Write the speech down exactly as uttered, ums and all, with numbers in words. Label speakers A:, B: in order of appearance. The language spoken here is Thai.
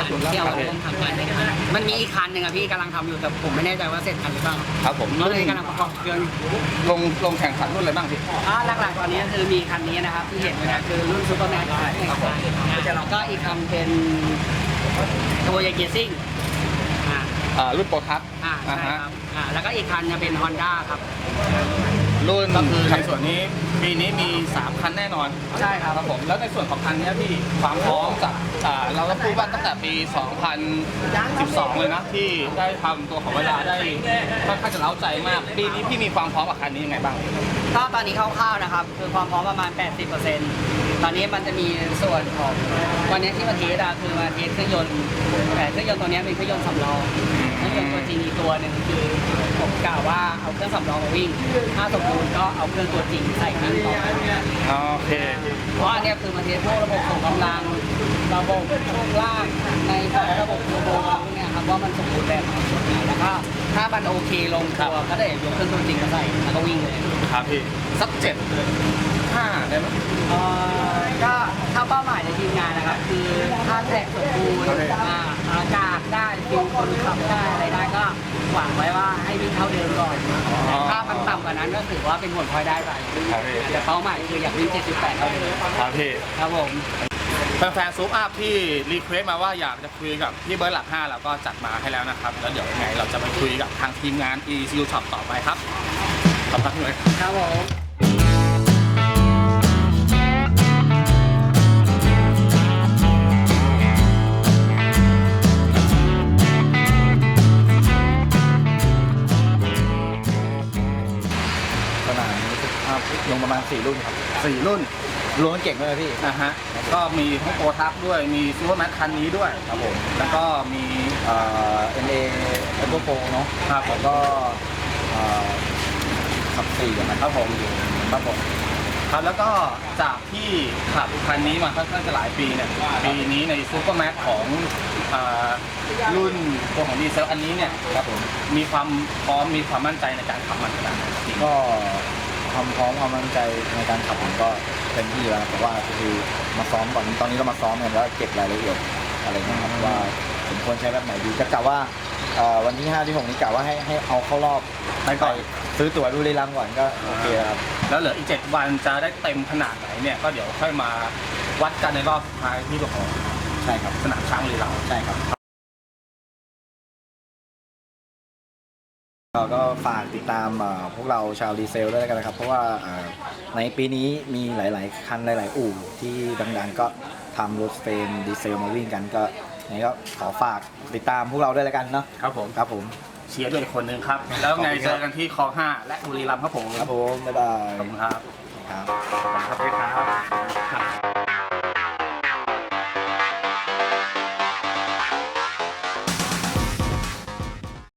A: านที่เอามาร่วมทำงานด้วยกันมันมีอีกคันหนึ่งอะพี่กำลังทำอยู่แต่ผมไม่แน่ใจว่าเสร็จทันหรือเปล่า
B: ครับผม
A: ก็เลยกำลังประกอบเครื่อง
B: ลงลงแข่งขันรุ่นอะไรบ้างพี่
A: อ่าหลักๆตอนนี้คือมีคันนี้นะครับที่เห็นนะคือรุ่นซูเปอร์แมนครับผมแล้วก็อีกคันเป็นตัวใหญ่เกียร์ซิ่ง
B: อ่ารุ่นโปรทัส
A: อ่าใช่ครับอ่าแล้วก็อีกคันจะเป็น Honda ครับ
B: รุ่นก็คือในส่วนนี้ปีนี้มีสามคันแน่นอน
A: ใช่ครับ
B: ครับผมแล้วในส่วนของคันนี้พี่ความพร้อมจากอ่าเราต้องพูดว่าตั้งแต่ปีสองพันสิบสองเลยนะที่ได้ทำตัวของเวลาได้ค่อนข้างจะเล้าใจมากปีนี้พี่มีความพร้อมกับคันนี้ยังไงบ้าง
A: ก็ตอนนี้คร่าวๆนะครับคือความพร้อมประมาณ แปดสิบเปอร์เซ็นต์ ตอนนี้มันจะมีส่วนของวันนี้ที่มาเทสอะคือมาเทสเครื่องยนต์แต่เครื่องยนต์ตัวนี้เป็นเครื่องยนต์สำรองเครื่องยนต์ตัวจริงอีกตัวหนึ่งคือผมกล่าวว่าเอาเครื่องสำรองมาวิ่งถ้าสมบูรณ์ก็เอาเครื่องตัวจริงใส่วิ่งต่อ
B: โอเค
A: เพราะอันนี้คือมาเทสพวกระบบส่งกำลังระบบช่วงล่างในระบบเทอร์โบพวกนี้ครับว่ามันสมบูรณ์แบบไหนแล้วก็ถ้ามันโอเคลงตัวก็ได้ยกเครื่องตัวจริงมาใส่แล้วก็วิ่งเลย
B: ครับพี่สักเจ็ดห้าได้ไหม
A: เอ่อก็ถ้าเป้าหมายในทีมงานนะครับคือถ้าแท็กสมบูรณ์อากาศได้ฟิลคนขับได้อะไรได้ก็หวังไว้ว่าให้วิ่งเท่าเดิมก่อนถ้ามันต่ำกว่านั้นก็ถือว่าเป็นผลพลอยได้ไปแต่เป้าหมายคืออยากวิ่งเจ็ดสิบแปดเท่าเดิม
B: ครับพี่
A: ครับผม
B: แฟนๆซูปอัพที่รีเควสมาว่าอยากจะคุยกับพี่เบิร์ดหลักห้าเราก็จัดมาให้แล้วนะครับแล้วเดี๋ยวยังไงเราจะไปคุยกับทางทีมงาน อี ซี ยู Shop ต่อไปครับขอบคุณเลย
A: ครับผม
C: ขนาดนี้ลงประมาณสี่รุ่นครับ
B: สี่รุ่น
C: รวมเก่งเลยพี่
B: นะฮะก็มีทั้งโปรทับด้วยมีซูเปอร์แมทคันนี้ด้วย
C: ครับผม
B: แล้วก็มี
C: เอ่อ เอ็น เอ เอ็น โฟร์ เนาะ
B: ครับ
C: แล้วก็เอ่อขับสี่นะครับผมครับผม
B: ครับแล้วก็จากที่ขับคันนี้มาค่อนข้างจะหลายปีเนี่ยปีนี้ในซูเปอร์แมทของรุ่นตัวของดีเซลอันนี้เนี่ย
C: ครับผม
B: มีความพร้อมมีความมั่นใจในการขับมันขนาดไหน
C: ก็ความพร้อมความมั่นใจในการขับผมก็เต็มที่แล้วแต่ว่าคือมาซ้อมก่อนตอนนี้เรามาซ้อมกันแล้วเก็บรายละเอียดอะไรนะครับว่าสมควรใช้แบบไหนดีก็กะว่าวันที่ห้าที่หกนี้กะว่าให้ให้เอาเข้ารอบ
B: ไปก่อน
C: ซื้อตั๋วดูรีลังก่อนก็โอเคครับ
B: แล้วเหลืออีกเจ็ดวันจะได้เต็มขนาดไหนเนี่ยก็เดี๋ยวค่อยมาวัดกันในรอบสุดท้ายที่ตัวของ
C: ใช่ครับ
B: สนามช้างรีลัง
C: ใช่ครับก็ฝากติดตามพวกเราชาวดีเซลด้วยกันนะครับเพราะว่าในปีนี้มีหลายๆคันหลายๆอู่ที่ดังๆก็ทำรถเฟรมดีเซลมาวิ่งกันก็นี้ก็ขอฝากติดตามพวกเราด้วยแล้วกันเนาะ
B: ครับผม
C: ครับผม
B: เชียร์ด้วยคนหนึ่งครับแล้วไงเจอกันที่คลองห้าและบุรีรัมย์ครับผม
C: ครับผมบ๊ายบาย
B: ขอบคุณครับ
C: ครับ
B: ขอบคุณครับ